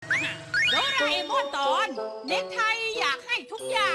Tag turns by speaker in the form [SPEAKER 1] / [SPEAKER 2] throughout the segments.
[SPEAKER 1] โดราเอมอนตอนเน็กไทอยากให้ทุกอย่าง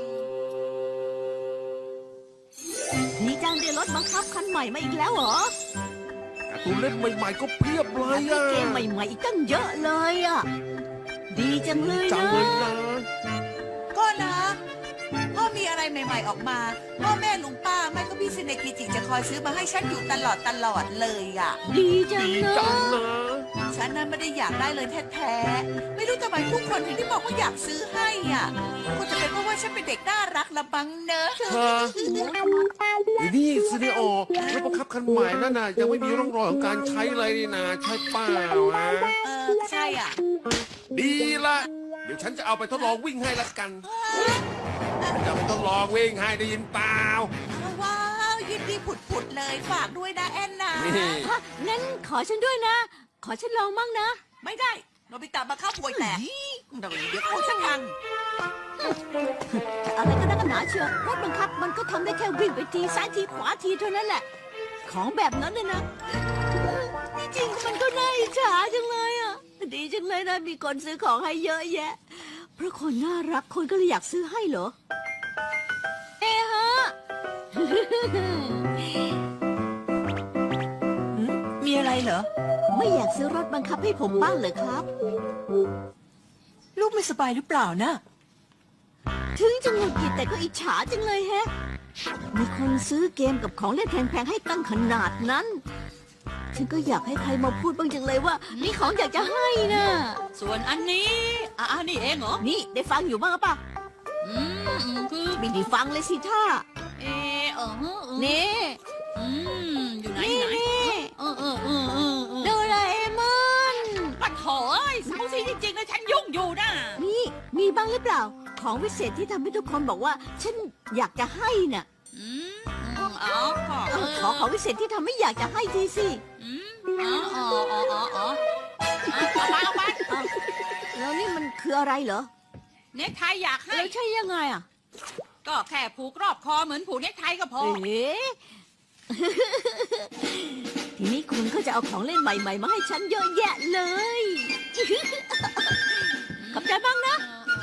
[SPEAKER 2] นี่จังได้รถบังคับคันใหม่มาอีกแล้วเหรอ
[SPEAKER 3] การ์ตูนเล่นใหม่ๆก็เพียบเลย
[SPEAKER 2] มี
[SPEAKER 3] อ่ะ
[SPEAKER 2] เกมใหม่ๆอีกตั้งเยอะเลยอ่ะ ดีจังเลย
[SPEAKER 3] จัง
[SPEAKER 2] นะ
[SPEAKER 3] เลยนะ
[SPEAKER 4] ก็นะพ่อมีอะไรใหม่ๆออกมาพ่อแม่ลุงป้าไม่ก็พี่ซินเนกิจิจะคอยซื้อมาให้ฉันอยู่ตลอดเลยอ่ะ
[SPEAKER 2] ดีจัง
[SPEAKER 3] ดี
[SPEAKER 2] เล
[SPEAKER 3] จัง
[SPEAKER 2] ย
[SPEAKER 3] นะ
[SPEAKER 4] ฉันนั้นไม่ได้อยากได้เลยแท้ๆไม่รู้ทำไมทุกคนถึงได้บอกว่าอยากซื้อให้อ่ะคงจะเป็นเพราะว่าฉันเป็นเด็กน่ารักละบังเนอะ
[SPEAKER 3] ฮะไอ้นี่ซีเนโอรถบังคับคันใหม่นั่นน่ะยังไม่มีร่องรอยของการใช้เลยนี่นะใช่เปล่าอ่ะ
[SPEAKER 4] ใช่อ่ะ
[SPEAKER 3] ดีละเดี๋ยวฉันจะเอาไปทดลองวิ่งให้ละกันฉันจะเอาไปทดลองวิ่งให้ได้ยินเปล่า
[SPEAKER 4] ว้าวยินดีผุดๆเลยฝากด้วยนะแอนนา
[SPEAKER 3] นี่
[SPEAKER 2] ฮะงั้นขอฉันด้วยนะ ขอฉันลองมั่งนะ
[SPEAKER 4] ไม่ได้โนบิตะมาเข้าป่วยแตกเดี๋ยวเขาฉันพัง
[SPEAKER 2] แต่อะไรก็นักกันหนาเชียวรถบังคับมันก็ทำได้แค่วิ่งไปทีซ้ายทีขวาทีเท่านั้นแหละ ของแบบนั้นเลยนะที่จริงมันก็น่าอิจฉาจังเลยอ่ะ ดีจังเลยนะมีคนซื้อของให้เยอะแยะ เพราะคนน่ารักคนก็เลยอยากซื้อให้เหรอ เอะฮะ
[SPEAKER 4] มีอะไรเหรอ
[SPEAKER 2] ไม่อยากซื้อรถบังคับให้ผมบ้างเหรอครับ
[SPEAKER 4] ลูกไม่สบายหรือเปล่านะ
[SPEAKER 2] ถึงจะหงุดหงิดแต่ก็อิจฉาจังเลยแฮะ มีคนซื้อเกมกับของเล่นแพงๆให้ตั้งขนาดนั้น ฉันก็อยากให้ใครมาพูดบ้างจังเลยว่า มีของอยากจะให้นะ
[SPEAKER 1] ส่วนอันนี้นี่เองเหรอ
[SPEAKER 2] นี่ได้ฟังอยู่บ้างหรือเปล่ะ
[SPEAKER 1] คือ
[SPEAKER 2] ไม่ได้ฟังเลยสิท่า
[SPEAKER 1] นี่
[SPEAKER 2] นี่
[SPEAKER 1] อยู่ไหน
[SPEAKER 2] นี่
[SPEAKER 1] ไหน
[SPEAKER 2] นี่
[SPEAKER 1] เ
[SPEAKER 2] โดราเอมอน
[SPEAKER 1] ปัดโถเอ้ยเสาซีจริงๆนะฉันยุ่งอยู่นะ
[SPEAKER 2] นี่มีบ้างหรือเปล่า ของวิเศษที่ทำให้ทุกคนบอกว่า ฉันอยากจะให้น่ะ
[SPEAKER 1] อ๋อ
[SPEAKER 2] ขอของวิเศษที่ทำให้อยากจะให้ทีสิ
[SPEAKER 1] เอาไป
[SPEAKER 2] แล้วนี่มันคืออะไรเหรอ
[SPEAKER 1] เน็กไทอยากให้
[SPEAKER 2] แล้วใช่ยังไงอ่ะ
[SPEAKER 1] ก็แค่ผูกรอบคอเหมือนผูกเน็กไทก็พอ
[SPEAKER 2] เอ๊ะ ทีนี้คุณก็จะเอาของเล่นใหม่ๆ มาให้ฉันเยอะแยะเลย ขอบใจบ้างนะ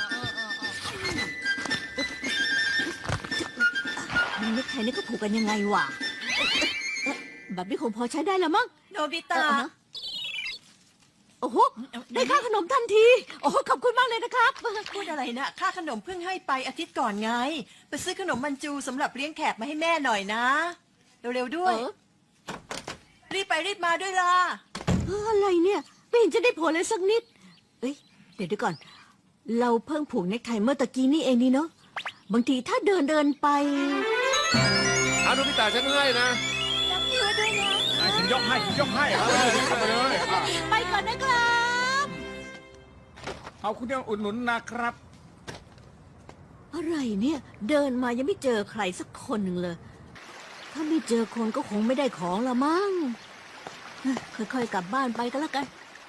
[SPEAKER 2] นี่นึกไทยนี่ก็ผูกกันยังไงวะแบบนี้คงพอใช้ได้แล้วมั้ง
[SPEAKER 4] โนบิตะ
[SPEAKER 2] โอ้โห ได้ค่าขนมทันที โอ้โหขอบคุณมากเลยนะครับ
[SPEAKER 5] พูดอะไรนะค่าขนมเพิ่งให้ไปอาทิตย์ก่อนไง ไปซื้อขนมมันจูสำหรับเลี้ยงแขกมาให้แม่หน่อยนะ เร็วๆด้วย รีบไปรีบมาด้วยล่ะ
[SPEAKER 2] อะไรเนี่ยไม่เห็นจะได้ผลเลยสักนิด เอ้ยเดี๋ยวก่อน เราเพิ่งผูกเนคไทเมื่อตะกี้นี่เองนี่เนาะ บางทีถ้าเดินไป
[SPEAKER 3] เอาโนบิตะฉันให้นะ
[SPEAKER 6] ฉันยกให้เอาเลยเข้ามาเลยอ่ะ
[SPEAKER 2] ไปก่อนนะครับ
[SPEAKER 6] เอาคุณยังอุดหนุนนะครับ
[SPEAKER 2] อะไรเนี่ย เดินมายังไม่เจอใครสักคนหนึ่งเลย ถ้าไม่เจอคนก็คงไม่ได้ของละมั้งค่อยๆกลับบ้านไปก็แล้วกัน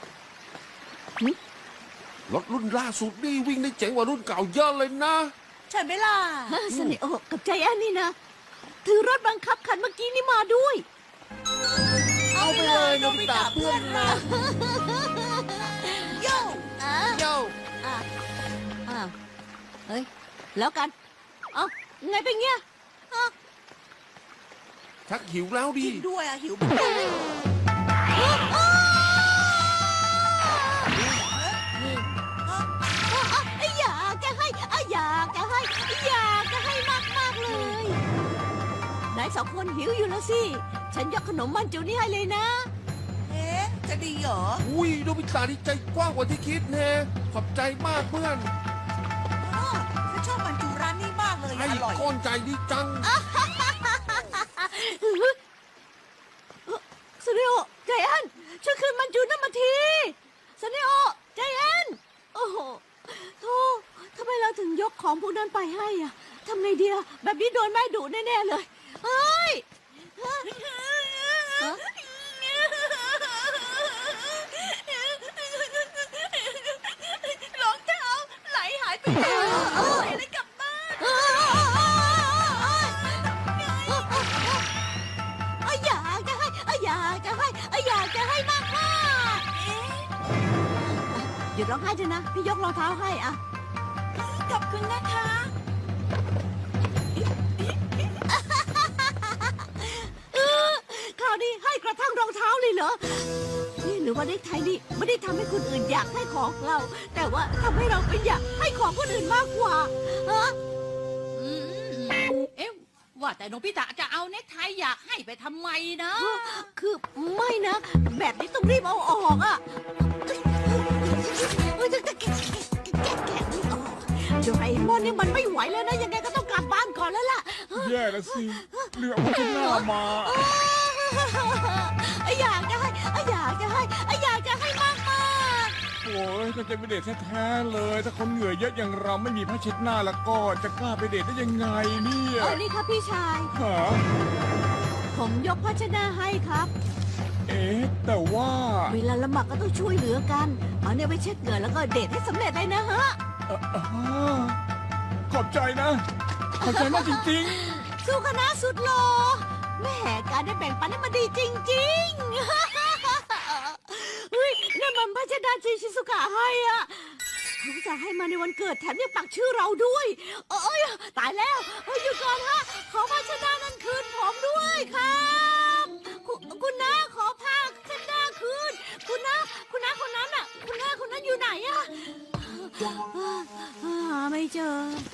[SPEAKER 3] รถรุ่นล่าสุดนี่วิ่งได้เจ๋งกว่ารุ่นเก่าเยอะเลยนะ
[SPEAKER 4] ใช่ไหมล่ะ
[SPEAKER 2] สนิโอกับใจแอนนี่นะ ถือรถบังคับคันเมื่อกี้นี่มาด้วย
[SPEAKER 4] เอาไปเลยโนบิตะเพื่อนรักโย่
[SPEAKER 3] โย่
[SPEAKER 2] อ้าวเฮ้ย แล้วกัน เอ้าไงเป็นเงี้ย
[SPEAKER 3] ชักหิวแล้วดิ
[SPEAKER 4] กินด้วยอะหิว
[SPEAKER 2] อยากจะให้อยากจะให้ อยากจะให้มากๆเลยนายสองคนหิวอยู่แล้วสิ ฉันยกขนมมันจูนี่ให้เลยนะ
[SPEAKER 4] เอ๊ะจะดีเหรอ
[SPEAKER 3] อุ้ยโนบิตะนี่ใจกว้างกว่าที่คิดแน่ขอบใจมากเพื่อน
[SPEAKER 4] อ๋อฉันชอบมันจูร้านนี้มากเลย
[SPEAKER 3] ให้
[SPEAKER 4] อร่อย
[SPEAKER 3] ก้อนใจดีจัง
[SPEAKER 2] สเนโอใจแอนช่วยคืนมันจูนั่นมาทีสเนโอใจแอนโอ้โหโธ่ทำไมเราถึงยกของพวกนั้นไปให้อะทำไงดีอะแบบนี้โดนแม่ดุแน่ๆเลยเฮ้ยฮะฮะ
[SPEAKER 4] รองเท้าไหลหายไปไหนอะไรกลับบ้าน
[SPEAKER 2] อยากจะให้อยากจะให้อยากจะให้มากๆเดี๋ยุดร้องไห้เถอะนะ พี่ยกรองเท้าให้อะ
[SPEAKER 5] ขอบคุณนะคะ
[SPEAKER 2] คราวนี้ให้กระทั่งรองเท้าเลยเหรอ นี่หรือว่าเด็กไทยนี่ไม่ได้ทำให้คนอื่นอยากให้ของเรา แต่ว่าทำให้เราเป็นอยากให้ของคนอื่นมากกว่าฮะ
[SPEAKER 1] เอ๊ะว่าแต่โนบิตะจะเอาเน็กไทอยากให้ไปทำไมนะ
[SPEAKER 2] คือไม่นะ แบบนี้ต้องรีบเอาออกอ่ะแกะไม่ออกโดราเอมอนนี่มันไม่ไหวแล้วนะ ยังไงก็ต้องกลับบ้านก่อนแล้วล่ะ
[SPEAKER 6] แย่แล้วสิเรือพัฒนามา
[SPEAKER 2] อยากจะให้อยากจะให้อยากจะให้มากมาก
[SPEAKER 6] โอ้ยก็จะไปเดทแท้ๆเลย ถ้าคนเหงื่อเยอะอย่างเราไม่มีผ้าเช็ดหน้าแล้วก็จะกล้าไปเดทได้ยังไงเนี่ย
[SPEAKER 2] นี่ครับพี่ชาย
[SPEAKER 6] หา
[SPEAKER 2] ผมยกภาชนะให้ครับ
[SPEAKER 6] เอ๊ะแต่ว่า
[SPEAKER 2] เวลาละหมาดก็ต้องช่วยเหลือกัน เอาเนี่ยไปเช็ดเหงื่อแล้วก็เดทให้สำเร็จเลยนะฮะ
[SPEAKER 6] ขอบใจนะ ขอบใจมากจริง
[SPEAKER 2] สู้คณะสุดหล่อแม่การได้แบ่งปันนี่มันดีจริงๆ เฮ้ยนั่นมันพัชดาชิชิสุกะให้อ่ะเขาจะให้มาในวันเกิดแถมยังปักชื่อเราด้วย เอ้ยตายแล้วหยุดก่อนฮะ ขอพัชดานั้นคืนผมด้วยครับคุณน้าขอผ้าพัชดาคืน คุณน้าคนนั้นอ่ะ คุณน้าคนนั้นอยู่ไหนอ่ะหาไม่เจอ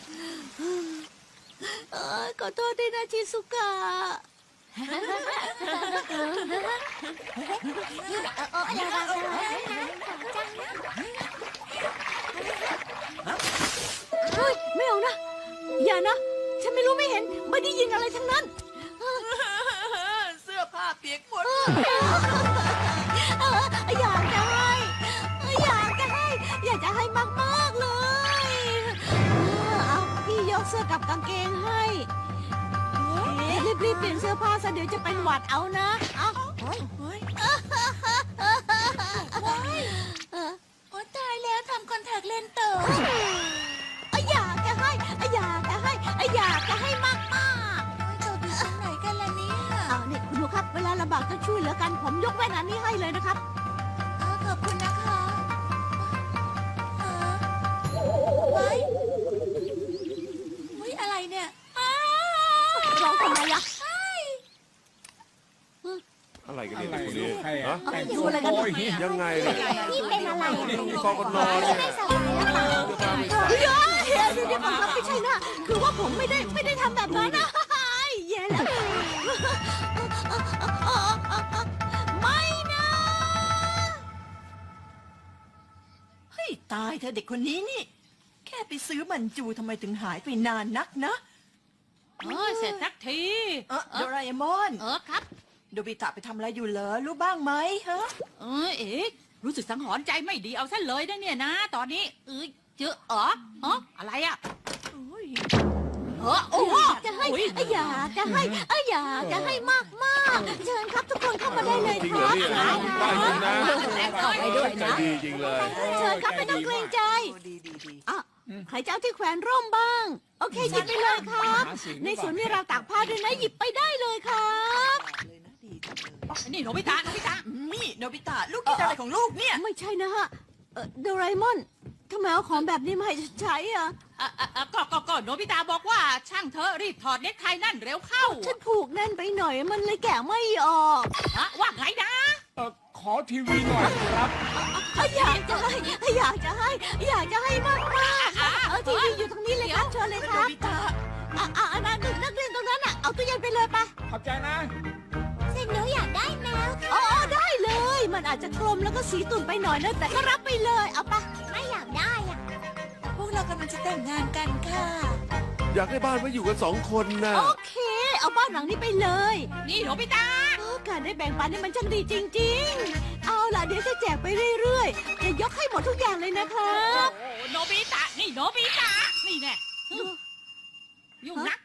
[SPEAKER 2] ขอโทษด้วยนะชิสุกะ เฮ้ย ไม่เอานะ อย่านะ ฉันไม่รู้ไม่เห็น ไม่ได้ยินอะไรทั้งนั้น
[SPEAKER 5] เสื้อผ้าเปียกหมด
[SPEAKER 2] อยากจะให้ อยากจะให้ อยากจะให้มากๆเลย เอาพี่ยกเสื้อกับกางเกงให้ รีบๆเปลี่ยนเสื้อผ้าซะเดี๋ยวจะเป็นหวัดเอานะ เอา
[SPEAKER 4] โอ้ตายแล้วทำคอนแทคเลนส์เต๋อ
[SPEAKER 2] อยากจะให้ อยากจะให้ อยากจะให้มาก
[SPEAKER 4] เต๋ออยู่ตรงไหนกันล่ะเนี่ย
[SPEAKER 2] ๆเอานี่คุณดูครับ เวลาลำบากต้องช่วยเหลือกัน ผมยกแว่นอันนี้ให้เลยนะครับ
[SPEAKER 4] ขอบคุณนะคะไว้อะไรเนี่ย
[SPEAKER 2] ร้องทำไมล่ะ
[SPEAKER 3] อะไรกัน
[SPEAKER 6] ๆ
[SPEAKER 3] เนี่ย
[SPEAKER 6] อะไร
[SPEAKER 3] คน
[SPEAKER 6] ลู
[SPEAKER 3] นี้
[SPEAKER 6] กใคร
[SPEAKER 3] ฮะ
[SPEAKER 6] แต่ง
[SPEAKER 2] ดู
[SPEAKER 6] ตัว
[SPEAKER 2] อะไรกัน
[SPEAKER 6] โอย
[SPEAKER 3] ยังไงเนี่ย
[SPEAKER 2] นี่เป็นอะไร
[SPEAKER 3] นี่กองกันนอนเนี่ย
[SPEAKER 2] เฮ้ยดูดิผมรับไม่ใช่นะ คือว่าผมไม่ได้ทำแบบนั้นนะแย่แล้ว ไม่นะ
[SPEAKER 5] เฮ้ยตายเธอเด็กคนนี้นี่ แค่ไปซื้อมันจูทำไมถึงหายไปนานนักนะ
[SPEAKER 1] เสร็จสักที
[SPEAKER 5] โดราเอมอน
[SPEAKER 1] ครับ
[SPEAKER 5] โดบิตะไปทำอะไรอยู่เหรอรู้บ้างไหมฮะ
[SPEAKER 1] เอ๊ะรู้สึกสังหรณ์ใจไม่ดีเอาซะเลยนะเนี่ยนะ ตอนนี้เจออะไรอ่ะโอ้โห
[SPEAKER 2] อยากจะให้ อยากจะให้ อยากจะให้มากมากเชิญครับทุกคนเข้ามาได้เลย
[SPEAKER 3] จริง
[SPEAKER 2] ค
[SPEAKER 3] เหรอ
[SPEAKER 2] รับ
[SPEAKER 3] เนี่ยได้จริงนะ
[SPEAKER 2] ไปด้วย
[SPEAKER 3] ใจ
[SPEAKER 2] นะ
[SPEAKER 3] ดีจริงเลย
[SPEAKER 2] เชิญครับไม่ต้องเกรงใจ
[SPEAKER 5] ดี
[SPEAKER 2] อ่ะใครจะเอาที่แขวนร่มบ้าง โอเคหยิบไปเลยครับ ในสวนมีราวตากผ้าด้วยนะหยิบไปได้เลยครับ
[SPEAKER 5] เลยนะดีจังเลย
[SPEAKER 1] นี่โนบิตะ
[SPEAKER 5] นี่โนบิตะลูกกินอะไรของลูกเนี่ย
[SPEAKER 2] ไม่ใช่นะฮะโดราเอมอนทำไมเอาของแบบนี้มาให้ฉันใช้อ่ะ
[SPEAKER 1] ก็โนบิตะบอกว่าช่างเธอรีบถอดเน็กไทนั่นเร็วเข้า
[SPEAKER 2] ฉันผูกแน่นไปหน่อยมันเลยแกะไม่ออก
[SPEAKER 1] ว่าไงนะ
[SPEAKER 6] ขอทีวีหน่อยครับ
[SPEAKER 2] อยากจะให้ อยากจะให้ อยากจะให้มากมากทีวีอยู่ตรงนี้เลยครับเชิญเลยค
[SPEAKER 5] โน
[SPEAKER 2] รับ
[SPEAKER 5] บิตะ
[SPEAKER 2] นักเรียนตรงนั้นอ่ะเอาตู้เย็นไปเลยปะ
[SPEAKER 6] ขอบใจนะ
[SPEAKER 2] เส้นหนูอยากได้แมวอ๋อได้เลย มันอาจจะกลมแล้วก็สีตุ่นไปหน่อยนะแต่ก็รับไปเลยเอาปะไม่อยากได้อ่ะ
[SPEAKER 4] พวกเรากำลังจะแต่งงานกันค่ะ
[SPEAKER 3] อยากได้บ้านไว้อยู่กัน2 คนนะ
[SPEAKER 2] โอเค เอาบ้านหลังนี้ไปเลย
[SPEAKER 1] นี่โนบิตะ
[SPEAKER 2] การได้แบ่งปันนี่มันช่างดีจริง ๆ เอาล่ะเดี๋ยวจะแจกไปเรื่อยๆจะยกให้หมดทุกอย่างเลยนะครับ
[SPEAKER 1] โนบิตะนี่โนบิตะนี่แน่ยุ่งนัก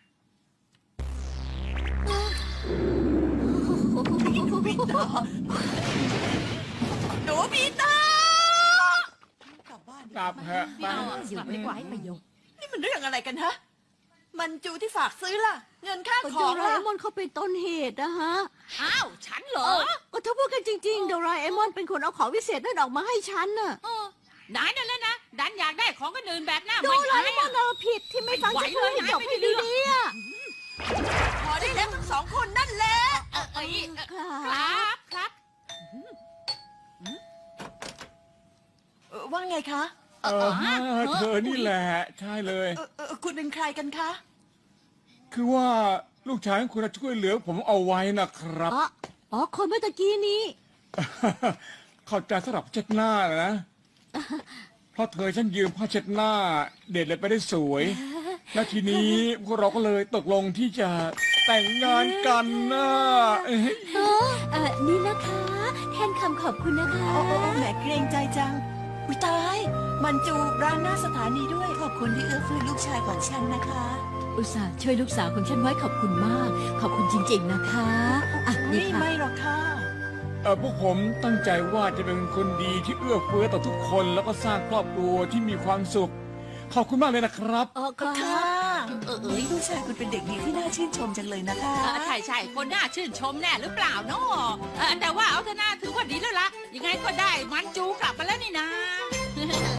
[SPEAKER 5] โนบิตะกลับบ้านดี
[SPEAKER 6] กลับเถอะ
[SPEAKER 1] ไม่เอากลับดีกว่าให้ประโยชน์
[SPEAKER 5] นี่มันเรื่องอะไรกันฮะ มันจูที่ฝากซื้อล่ะ เงินค่า
[SPEAKER 2] ก็
[SPEAKER 5] ข
[SPEAKER 2] โด
[SPEAKER 5] อง
[SPEAKER 2] รา
[SPEAKER 5] ล่ะ
[SPEAKER 2] เอมอนเขาเป็นต้นเหตุนะฮะ
[SPEAKER 1] อ้าวฉันเหรอ
[SPEAKER 2] ก็ถ้าพูดกันจริงๆโดราเอมอนเป็นคนเอาของวิเศษนั่นออกมาให้ฉันน่ะ
[SPEAKER 1] นายนั่นแหละนะดันอยากได้ของคนอื่นแบบหน้า
[SPEAKER 2] โด
[SPEAKER 1] ไม่
[SPEAKER 2] รา
[SPEAKER 1] อาย
[SPEAKER 2] เอมอนเราผิดที่ไม่ฟังฉันพูดให้จบให้ดีๆอ่ะ
[SPEAKER 4] พอได้แล้วทั้งสองคนนั่นแหละ
[SPEAKER 1] เอ้ย
[SPEAKER 2] ครับ
[SPEAKER 1] ครับ
[SPEAKER 5] ว่าไงคะ
[SPEAKER 6] เธอนี่แหละใช่เลย
[SPEAKER 5] คุณเป็นใครกันคะ
[SPEAKER 6] คือว่าลูกชายของคุณช่วยเหลือผมเอาไว้นะครับ
[SPEAKER 2] อ๋อคนเมื่อตะกี้นี้
[SPEAKER 6] เข้าใจสำหรับเช็ดหน้านะ เพราะเธอฉันยืมผ้าเช็ดหน้า เด็ดเลยไปได้สวย แล้วทีนี้พวกเราก็เลยตกลงที่จะแต่งงานกันนะเอ้ย
[SPEAKER 2] นี่นะคะ แทนคำขอบคุณนะคะ
[SPEAKER 5] โอ้แหมเกรงใจจัง อุ้ยตาย มันจูร้านหน้าสถานีด้วย
[SPEAKER 4] ขอบคุณที่เอื้อเฟื้อลูกชายของฉันนะคะ
[SPEAKER 2] อุตส่าห์ช่วยลูกสาวของฉันไว้ขอบคุณมาก ขอบคุณจริงๆนะคะอ่ะนี่
[SPEAKER 5] นี่
[SPEAKER 2] ค่ะ
[SPEAKER 5] ไม่หรอกค่ะ
[SPEAKER 6] พวกผมตั้งใจว่าจะเป็นคนดีที่เอื้อเฟื้อต่อทุกคนแล้วก็สร้างครอบครัวที่มีความสุข ขอบคุณมากเลยนะครับ
[SPEAKER 2] อ๋อค่ะ
[SPEAKER 5] ค่ะ
[SPEAKER 4] ลูกชายคุณเป็นเด็กดีที่น่าชื่นชมจังเลยนะคะ
[SPEAKER 1] ใช่คนน่าชื่นชมแน่หรือเปล่าเนาะแต่ว่าเอาเถอะนะถือว่าดีแล้วล่ะยังไงก็ได้มันจู